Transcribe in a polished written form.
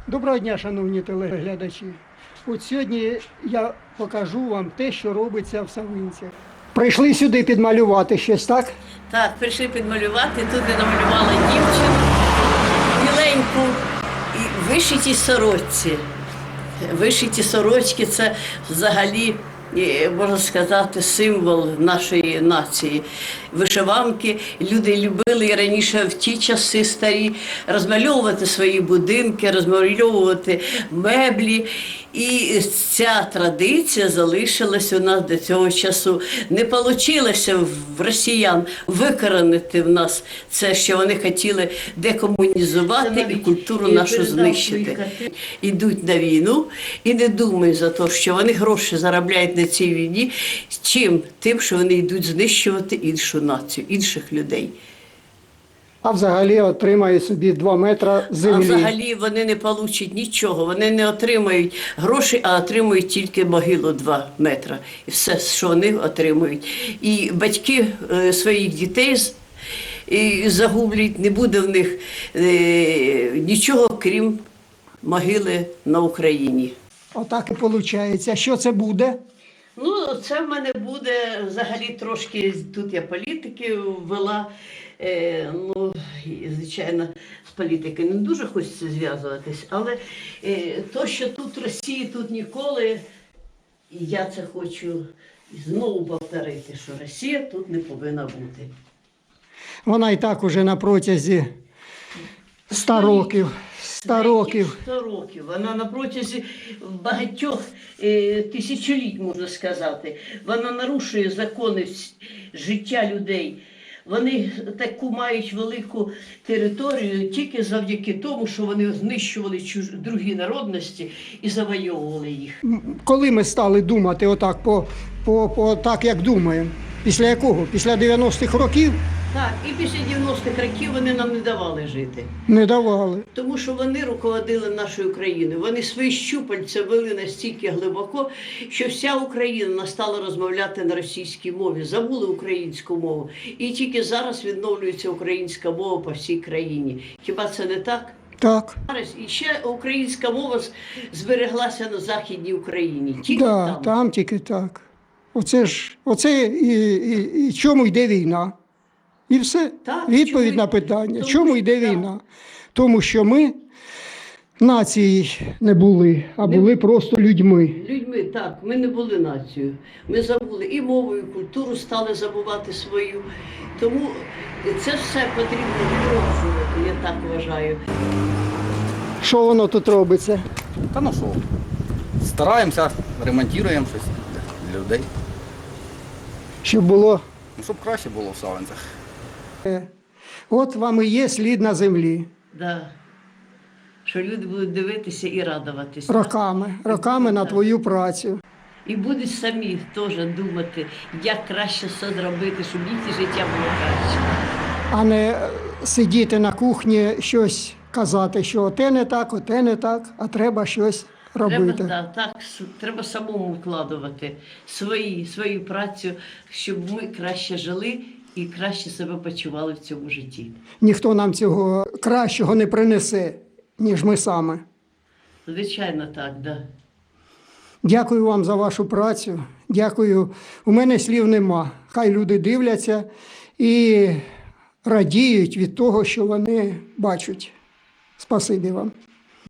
Доброго дня, шановні телеглядачі. От сьогодні я покажу вам те, що робиться в Савинцях. Прийшли сюди підмалювати щось, так? Так, прийшли підмалювати. Тут я намалювала дівчину, біленьку і вишиті сорочці. Вишиті сорочки – це взагалі, можна сказати, символ нашої нації. Вишиванки люди любили і раніше в ті часи старі розмальовувати свої будинки, розмальовувати меблі. І ця традиція залишилась у нас до цього часу. Не вийшло в росіян викоренити в нас це, що вони хотіли декомунізувати і культуру нашу знищити. Ідуть на війну і не думають за те, що вони гроші заробляють на цій війні, чим? Тим, що вони йдуть знищувати іншу націю, інших людей. А взагалі отримає собі 2 метри землі. А взагалі вони не получать нічого, вони не отримають грошей, а отримують тільки могилу 2 метри. І все, що вони отримують. І батьки своїх дітей загублять, не буде в них нічого, крім могили на Україні. Отак і виходить. А що це буде? Ну, це в мене буде взагалі трошки, тут я політики ввела, ну, звичайно, з політикою не дуже хочеться зв'язуватись, але то, що тут в Росії, тут ніколи, і я це хочу знову повторити, що Росія тут не повинна бути. Вона і так уже на протязі 100 років. 100 років. 100 років. Вона на протязі багатьох тисячоліть, можна сказати. Вона нарушує закони життя людей. Вони таку мають велику територію тільки завдяки тому, що вони знищували другі народності і завойовували їх. Коли ми стали думати отак, так, як думаємо? Після якого? Після 90-х років? Так, і після 90-х років вони нам не давали жити. Не давали. Тому що вони руководили нашою Україною. Вони свої щупальця вели настільки глибоко, що вся Україна стала розмовляти на російській мові, забули українську мову. І тільки зараз відновлюється українська мова по всій країні. Хіба це не так? Так. Зараз і ще українська мова збереглася на Західній Україні. Тільки там тільки так. Оце і чому йде війна? І все. Так, Відповідь на питання. Чому йде війна? Тому що ми нацією не були, а були просто людьми. Людьми, так. Ми не були нацією. Ми забули і мову, і культуру стали забувати свою. Тому це все потрібно відроджувати, я так вважаю. Що воно тут робиться? Та ну що, стараємося, ремонтуємо щось для людей. Щоб було. Ну, щоб краще було в Савинцях. От вам і є слід на землі. Да. Що люди будуть дивитися і радуватися. Роками на твою працю. І будуть самі теж думати, як краще все зробити, щоб їхнє життя було краще. А не сидіти на кухні, щось казати, що оте не так, а треба щось робити. Треба самому вкладувати свою працю, щоб ми краще жили і краще себе почували в цьому житті. Ніхто нам цього кращого не принесе, ніж ми саме. Звичайно, так, да. Дякую вам за вашу працю. Дякую. У мене слів нема. Хай люди дивляться і радіють від того, що вони бачать. Спасибі вам.